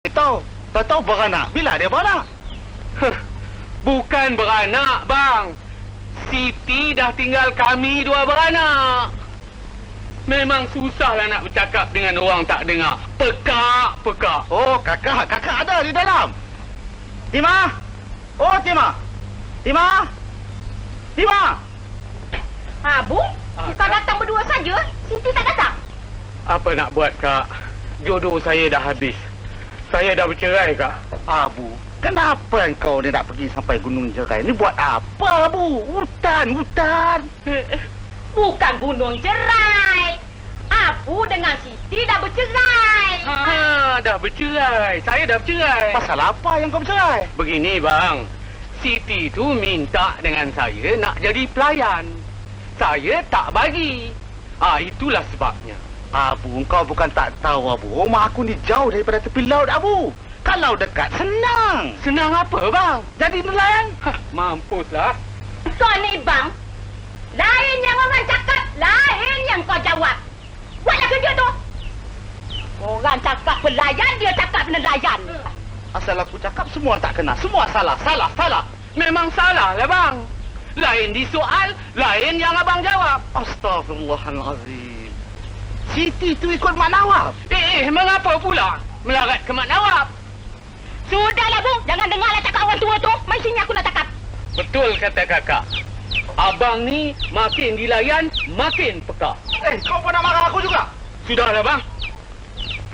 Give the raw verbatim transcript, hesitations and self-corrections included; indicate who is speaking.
Speaker 1: Tahu, tak tahu beranak. Bila dia beranak?
Speaker 2: Bukan beranak, bang. Siti dah tinggal kami dua beranak. Memang susahlah nak bercakap dengan orang tak dengar. Pekak, pekak.
Speaker 1: Oh, kakak, kakak ada di dalam. Tima? Oh, Tima. Tima? Tima?
Speaker 3: Ha, Bu? Kita datang berdua saja. Siti tak datang.
Speaker 2: Apa nak buat, Kak? Jodoh saya dah habis. Saya dah bercerai, Kak.
Speaker 1: Abu, kenapa engkau ni nak pergi sampai Gunung Jerai? Ni buat apa, Abu? Hutan, hutan.
Speaker 3: Bukan Gunung Jerai. Abu dengan Siti dah bercerai.
Speaker 2: Ha, dah bercerai. Saya dah bercerai.
Speaker 1: Pasal apa yang kau bercerai?
Speaker 2: Begini, bang. Siti tu minta dengan saya nak jadi pelayan. Saya tak bagi. Ah, itulah sebabnya.
Speaker 1: Abu, engkau bukan tak tahu, Abu. Rumah aku ni jauh daripada tepi laut, Abu. Kalau dekat, senang.
Speaker 2: Senang apa, bang?
Speaker 1: Jadi nelayan.
Speaker 2: Hah, mampuslah.
Speaker 3: Kau ni, bang. Lain yang orang cakap, lain yang kau jawab. Buatlah kerja tu. Orang cakap pelayan, dia cakap nelayan.
Speaker 1: Asal aku cakap, semua tak kena. Semua salah, salah, salah.
Speaker 2: Memang salah lah, bang. Lain disoal, lain yang abang jawab.
Speaker 1: Astaghfirullahalazim. Siti tu ikut Mak Nawab.
Speaker 2: Eh, eh, mengapa pula melarat ke Mak Nawab?
Speaker 3: Sudahlah, Bu. Jangan dengarlah cakap orang tua tu. Mai sini aku nak cakap.
Speaker 2: Betul kata kakak. Abang ni makin dilayan, makin peka.
Speaker 1: Eh, kau pernah marah aku juga?
Speaker 2: Sudahlah, bang.